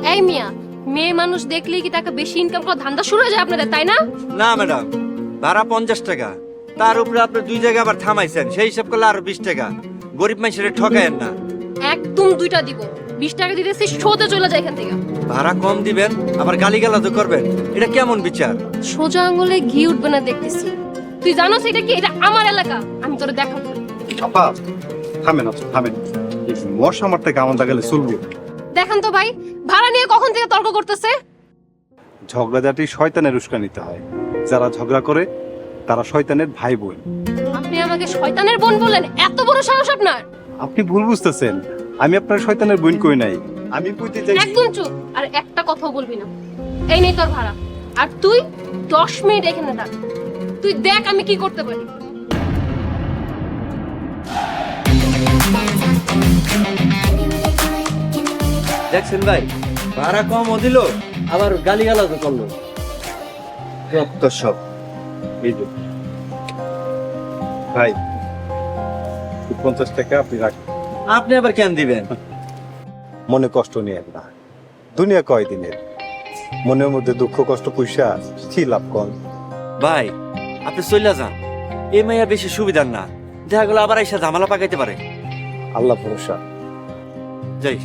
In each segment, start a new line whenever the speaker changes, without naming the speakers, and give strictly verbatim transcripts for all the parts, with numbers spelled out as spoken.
এই মিয়া, মেয়ে মানুষ দেখলেই কি টাকা বেশি ইনকাম করার ধান্দা শুরু হয়ে যায় আপনাদের, তাই না?
না ম্যাডাম, ভাড়া পঞ্চাশ টাকা, তার উপরে আপনি দুই জায়গায় আবার থামাইছেন, সেই হিসাব করলে আরো বিশ টাকা। গরিব মানুষের ঠকায়েন না।
একদম দুইটা দিব, বিশ টাকা দিতেছি, সোজা চলে যায় এখান থেকে।
ভাড়া কম দিবেন আবার গালিগালাজও করবেন, এটা কেমন বিচার?
সোজা আঙুলে ঘি উঠবে না দেখতেছি। তুই জানোস এটা কি? এটা আমার এলাকা, আমি তোরে দেখাবো।
আপা থামেন, আপা থামেন। এই মশা আমার থেকে আমার গেলে চলবে?
দেখেন তো ভাই, ভাড়া নিয়ে কখন থেকে তর্ক করতেছে।
ঝগড়াঝাটি শয়তানের উস্কানিতে হয়, যারা ঝগড়া করে তারা শয়তানের ভাই বোন।
আপনি আমাকে শয়তানের বোন বলেন? এত বড় সাহস আপনার!
আপনি ভুল বুঝতেছেন, আমি আপনার শয়তানের বোন কই নাই, আমি কইতে চাই।
একদম চুপ, আর একটা কথাও বলবি না। এই নেই তোর ভাড়া, আর তুই দশ মিনিট এখানে থাক। তুই দেখ আমি কি করতে পারি।
দেখছেন ভাই, ভাড়া কমও দিল আবার গালিগালাজও করলো।
তো সব এই যে ভাই, পঞ্চাশ টাকা আপনি রাখেন।
আপনি আবার কেন দিবেন?
মনে কষ্ট নিয়েন না, দুনিয়া কয় দিনের, মনের মধ্যে দুঃখ কষ্ট পয়সা কি লাভ কর।
ভাই আপনি চলে যান, এই মাইয়া বেশি সুবিধার না, দেখা গেলো আবার এসে ঝামেলা পাকাইতে পারে।
আল্লাহ ভরসা।
যাই।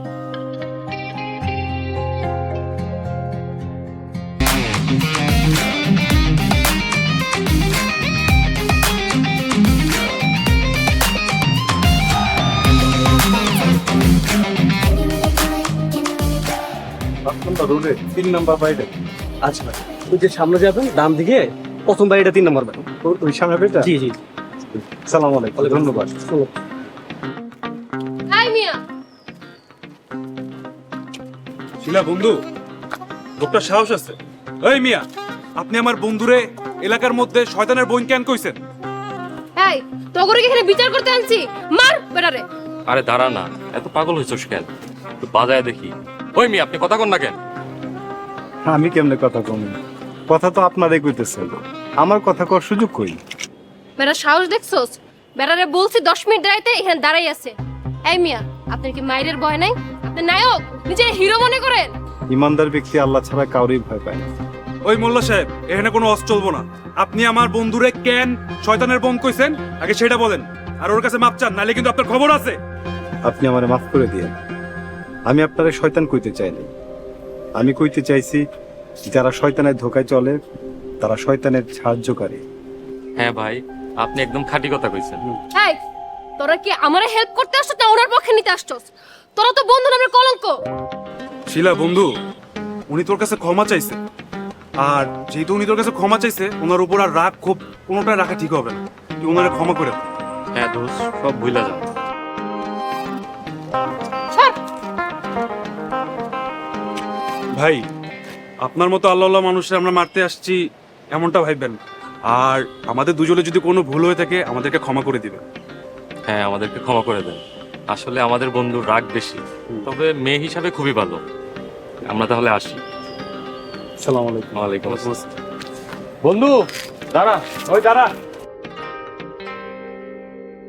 রোডে তিন নাম্বার বাড়িটা।
আচ্ছা ভাই, ওই যে সামনে যাবেন ডান দিকে, প্রথম বাড়িটা তিন নম্বর বাড়ি।
ওই সামনে বাড়িটা?
জি জি।
সালাম আলাইকুম, ধন্যবাদ।
এই মিয়া,
শিলা বন্ধু, লোকটা সাহস আছে। এই মিয়া, আপনি আমার বন্ধুরে এলাকার মধ্যে শয়তানের বোন কেন কইছেন?
এই তোগরে কি এখানে বিচার করতে আনছি? মার বেটারে।
আরে দাঁড়া না, এত পাগল হয়েছিস কেন? একটু বাজায় দেখি। ওই মেয়ে, আপনি কথা কন না কেন?
আমি কেমনে কথা কমি? কথা তো আপনারাই কইতেছেন, আমার কথা কর সুযোগ কই?
বেটা সাহস দেখছস? বেটারে বলছি দশ মিনিট দাঁড়াইতে, এখানে দাঁড়াই আছে। এই মিয়া, আপনার কি মায়ের ভয় নাই? আপনি নায়ক, নিজে হিরো মনে করেন?
ইমানদার ব্যক্তি আল্লাহ ছাড়া কাউরেই ভয় পায় না।
ওই মোল্লা সাহেব, এখানে কোনো অস চলবো না। আপনি আমার বন্ধুরে কেন শয়তানের বোন কইছেন আগে সেটা বলেন, আর ওর কাছে মাপ চান, নালে কিন্তু আপনার খবর আছে।
আপনি আমারে মাফ করে দিয়েন, আমি আপনারে শয়তান কইতে চাইনি। আমি কইতে চাইছি যারা শয়তানের ধোকায় চলে তারা শয়তানের সাহায্যকারী।
হ্যাঁ ভাই, আপনি একদম খাঁটি কথা কইছেন।
এই তোরা কি আমারে হেল্প করতে আসছস না ওনার পক্ষে নিতে আসছস? তোরা তো বন্ধু নামের কলঙ্ক।
শিলা বন্ধু, উনি তোর কাছে ক্ষমা চাইছে, আর যেহেতু উনি তোর কাছে ক্ষমা চাইছে, ওনার উপর আর রাগ ক্ষোভ কোনোটাই রাখা ঠিক হবে না। তুই ওনারে ক্ষমা করে দে।
হ্যাঁ দোস্ত, সব ভুলা যাও।
ছাড়।
ভাই, আপনার মতো আল্লাহ আল্লাহ মানুষের আমরা মারতে আসছি এমনটা ভাববেন না। আর আমাদের দুজনে যদি কোনো ভুল হয়ে থাকে আমাদেরকে ক্ষমা করে দিবেন।
হ্যাঁ, আমাদেরকে ক্ষমা করে দেন। আসলে আমাদের বন্ধুর রাগ বেশি, তবে মেয়ে হিসাবে খুবই ভালো। আমরা তাহলে আসি।
সালাম আলাইকুম।
ওয়ালাইকুম আসসালাম।
বন্ধু দাঁড়া, ওই দাঁড়া।